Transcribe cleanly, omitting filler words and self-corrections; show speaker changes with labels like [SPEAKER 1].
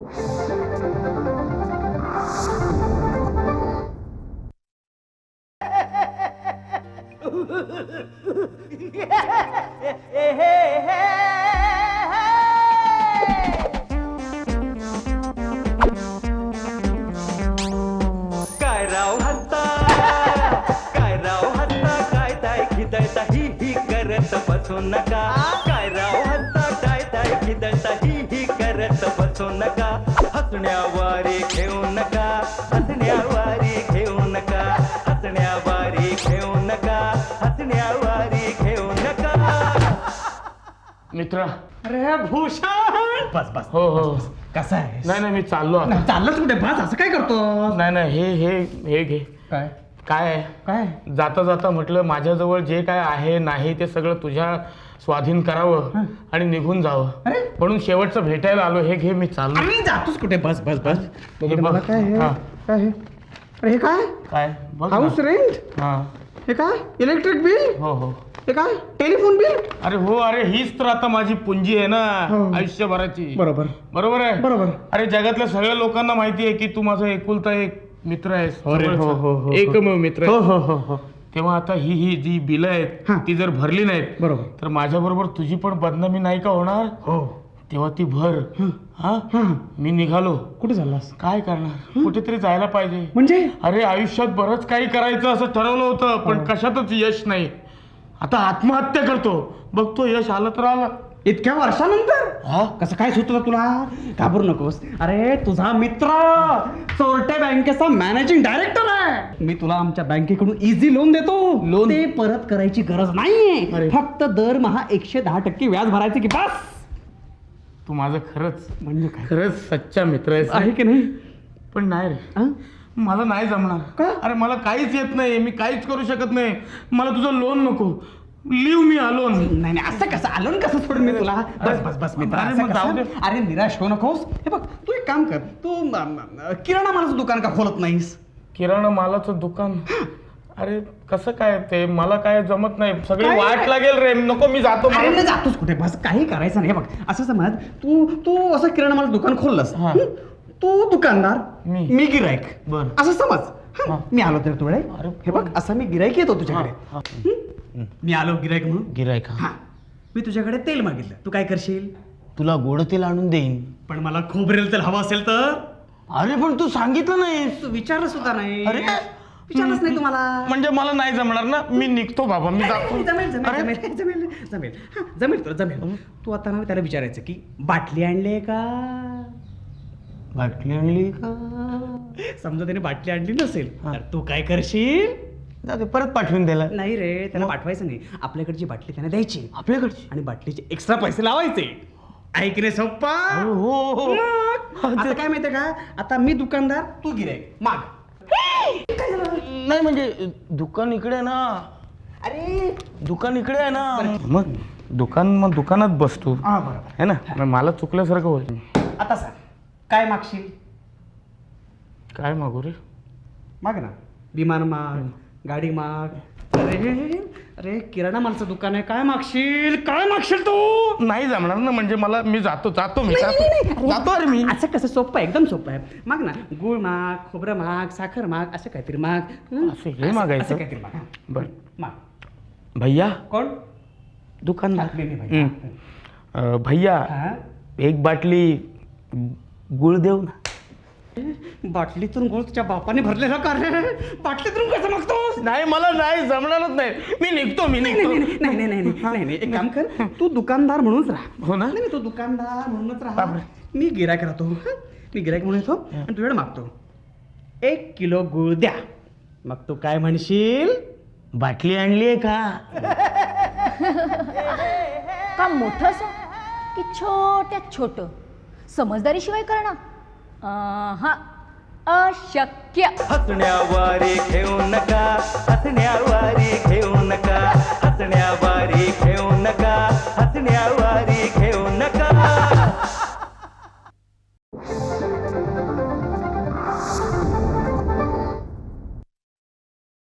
[SPEAKER 1] काय राव हत्ता, काय राव हत्ता, काय ताय खिदळता ही करत बसू नका. काय राव हत्ता, काय ताय खिदळता ही करत बसू नका. हसण्यावारे घेऊ नका, हसण्यावारे घेऊ नका, हसण्यावारे घेऊ नका, हसण्यावारे घेऊ नका.
[SPEAKER 2] मित्रा.
[SPEAKER 3] अरे भूषण, बस बस.
[SPEAKER 2] हो हो.
[SPEAKER 3] कसा आहे?
[SPEAKER 2] नाही नाही, मी चाललो आता.
[SPEAKER 3] चाललंच कुठे? बस, असं काय करतो?
[SPEAKER 2] नाही नाही, हे हे हे घे.
[SPEAKER 3] काय
[SPEAKER 2] काय आहे?
[SPEAKER 3] काय?
[SPEAKER 2] जाता जाता म्हटलं माझ्याजवळ जे काय आहे नाही ते सगळं तुझ्या स्वाधीन करावं आणि निघून जावं,
[SPEAKER 3] अरे
[SPEAKER 2] म्हणून शेवटचं भेटायला आलो. हे घे, मी चाललो.
[SPEAKER 3] अरे जातोस कुठे? बस बस बस.
[SPEAKER 2] हे बघ.
[SPEAKER 3] मला काय आहे?
[SPEAKER 2] हा.
[SPEAKER 3] काय आहे? अरे हे काय?
[SPEAKER 2] काय बघ ना.
[SPEAKER 3] House rent?
[SPEAKER 2] हा.
[SPEAKER 3] हे काय? Electric bill?
[SPEAKER 2] हो हो.
[SPEAKER 3] हे काय? Telephone bill?
[SPEAKER 2] अरे हो, अरे हीच तर आता माझी पुंजी आहे ना
[SPEAKER 3] हो.
[SPEAKER 2] आयुष्यभराची.
[SPEAKER 3] बरोबर
[SPEAKER 2] बरोबर आहे.
[SPEAKER 3] बरोबर.
[SPEAKER 2] अरे जगातल्या सगळ्या लोकांना माहिती आहे की तू माझा एकुलता एक मित्र आहेस.
[SPEAKER 3] अरे हो, हो, हो, हो.
[SPEAKER 2] एकमेव मित्र
[SPEAKER 3] हो
[SPEAKER 2] आहेस.
[SPEAKER 3] हो हो हो.
[SPEAKER 2] तेव्हा आता ही जी बिलं आहेत
[SPEAKER 3] हा.
[SPEAKER 2] ती जर भरली नाहीत
[SPEAKER 3] बरोबर.
[SPEAKER 2] तर माझ्या बरोबर तुझी पण बदनामी नाही का होणार?
[SPEAKER 3] हो.
[SPEAKER 2] तेव्हा ती भर. हा.
[SPEAKER 3] हा.
[SPEAKER 2] मी निघालो.
[SPEAKER 3] कुठे चाललास?
[SPEAKER 2] काय करणार, कुठेतरी जायला पाहिजे.
[SPEAKER 3] म्हणजे
[SPEAKER 2] अरे आयुष्यात बरंच काही करायचं असं ठरवलं होतं, पण कशातच यश नाही. आता आत्महत्या करतो. बघतो यश आलं तर आलं.
[SPEAKER 3] इतक्या वर्षानंतर
[SPEAKER 2] हा?
[SPEAKER 3] कसं काय सुचलं तुला? घाबरू नकोस. अरे तुझा मित्र चोरटे बँकेचा मॅनेजिंग डायरेक्टर आहे. मी तुला आमच्या बँकेकडून इझी लोन देतो.
[SPEAKER 2] लोन?
[SPEAKER 3] ते परत करायची गरज नाहीये.
[SPEAKER 2] अरे.
[SPEAKER 3] फक्त दरमहा 110% व्याज भरायचे की बस.
[SPEAKER 2] तू माझं खरंच
[SPEAKER 3] म्हणजे काय
[SPEAKER 2] खरंच सच्चा मित्र आहेस
[SPEAKER 3] आहे
[SPEAKER 2] रे.
[SPEAKER 3] की नाही?
[SPEAKER 2] पण नाही रे,
[SPEAKER 3] हा?
[SPEAKER 2] मला नाही जमणार.
[SPEAKER 3] का?
[SPEAKER 2] अरे मला काहीच येत नाही, मी काहीच करू शकत नाही. मला तुझं लोन नको. Leave me alone.
[SPEAKER 3] नाही नाही, असं कसं आलो ना, कसं सोडून मी तुला? बस बस बस मित्र,
[SPEAKER 2] अरे
[SPEAKER 3] असं
[SPEAKER 2] मग जाऊ
[SPEAKER 3] कसं?
[SPEAKER 2] दे.
[SPEAKER 3] अरे निराश होऊ नकोस. हे बघ, तू एक काम कर. तू किराणा मालाचं दुकान का खोलत नाहीस?
[SPEAKER 2] किराणा मालाचं दुकान? अरे कसं काय ते, मला काय जमत नाही. सगळी
[SPEAKER 3] काय
[SPEAKER 2] वाट
[SPEAKER 3] नाही.
[SPEAKER 2] लागेल रे, नको मी जातो.
[SPEAKER 3] अरे नाही, जातोस कुठे? बस, काही करायचं नाही. हे बघ, असं समज तू तू असं किराणा माल दुकान खोललंस.
[SPEAKER 2] हा.
[SPEAKER 3] तू दुकानदार,
[SPEAKER 2] मी.
[SPEAKER 3] मी गिरायक.
[SPEAKER 2] बरं.
[SPEAKER 3] असं समज. हा,
[SPEAKER 2] हा.
[SPEAKER 3] मी आलो तर तुकडे.
[SPEAKER 2] अरे
[SPEAKER 3] हे बघ, असा मी गिरायक येतो
[SPEAKER 2] हा,
[SPEAKER 3] तुझ्याकडे.
[SPEAKER 2] हा.
[SPEAKER 3] हं? मी आलो गिरायक म्हणून.
[SPEAKER 2] गिरायक?
[SPEAKER 3] हा, मी तुझ्याकडे तेल मागितलं. तू काय करशील?
[SPEAKER 2] तुला गोड तेल आणून देईन.
[SPEAKER 3] पण मला खोबरेल तेल हवं असेल तर?
[SPEAKER 2] अरे पण तू सांगितलं नाही.
[SPEAKER 3] तू विचारलं सुद्धा नाही.
[SPEAKER 2] अरे.
[SPEAKER 3] विचारलंच नाही तुम्हाला.
[SPEAKER 2] म्हणजे मला नाही जमणार ना. मी निघतो बाबा, मी जातो.
[SPEAKER 3] जमेल जमेल
[SPEAKER 2] अरे.
[SPEAKER 3] जमेल जमेल जमेल. हा, जमेल तुला जमेल. तू आता ना त्याला विचारायचं की बाटली आणली का?
[SPEAKER 2] बाटली आणली का?
[SPEAKER 3] समजा त्याने बाटली आणली नसेल
[SPEAKER 2] हा.
[SPEAKER 3] तर तू काय करशील?
[SPEAKER 2] जाते परत पाठवून द्यायला.
[SPEAKER 3] नाही रे, त्याला पाठवायचं नाही. आपल्याकडची बाटली त्याने द्यायची
[SPEAKER 2] आपल्याकडची?
[SPEAKER 3] आणि बाटलीचे एक्स्ट्रा पैसे लावायचे. ऐकणे सोप्पा.
[SPEAKER 2] हो हो.
[SPEAKER 3] मग, आता काय माहितीये का, आता मी दुकानदार, तू गिरायक. माग. काय झालं?
[SPEAKER 2] नाही म्हणजे दुकान इकडे आहे ना.
[SPEAKER 3] अरे
[SPEAKER 2] दुकान इकडे आहे ना. मग दुकानात बसतो
[SPEAKER 3] हा, बरोबर.
[SPEAKER 2] है ना. मग मला चुकल्यासारखं होईल.
[SPEAKER 3] आता सांग, काय मागशील?
[SPEAKER 2] काय मागू रे?
[SPEAKER 3] माग ना. विमान माग, गाडी माग. अरे अरे किराणा मालचं दुकान आहे. काय मागशील? काय मागशील तू?
[SPEAKER 2] नाही जमणार ना. म्हणजे मी जातो मी जातो अरे मी.
[SPEAKER 3] असं कसं? सोपं आहे, एकदम सोपं आहे. माग ना. गुळ माग, खोबरं माग, साखर माग, असं काहीतरी माग. हं?
[SPEAKER 2] असं हे मागायचं?
[SPEAKER 3] असं काहीतरी माग.
[SPEAKER 2] बर.
[SPEAKER 3] माग.
[SPEAKER 2] भैया.
[SPEAKER 3] कोण?
[SPEAKER 2] दुकानदार.
[SPEAKER 3] नाही, नाही, भैया.
[SPEAKER 2] भैया
[SPEAKER 3] हा?
[SPEAKER 2] एक बाटली गुळ देऊ ना.
[SPEAKER 3] बाटलीतून गुळ तुझ्या बापाने भरलेला का रे? बाटलीतून कसं मागतोस?
[SPEAKER 2] नाही मला नाही जमणारच नाही. मी निघतो.
[SPEAKER 3] नाही नाही नाही नाही नाही नाही नाही. एक काम कर, तू दुकानदार म्हणूनच राहा.
[SPEAKER 2] हो ना?
[SPEAKER 3] नाही तू दुकानदार म्हणूनच राहा.
[SPEAKER 2] बापरे.
[SPEAKER 3] मी गिरायक राहतो. हं? मी गिरायक म्हणून येतो आणि तुझ्याकडे मागतो 1 किलो गुळ द्या. मग तू काय म्हणशील?
[SPEAKER 2] बाटली आणली आहे का?
[SPEAKER 4] का मोठं असं की छोट्यात छोटं समजदारीशिवाय करणं हा अशक्य.
[SPEAKER 1] हसण्यावारे घेऊ नका, हसण्यावारे घेऊ नका,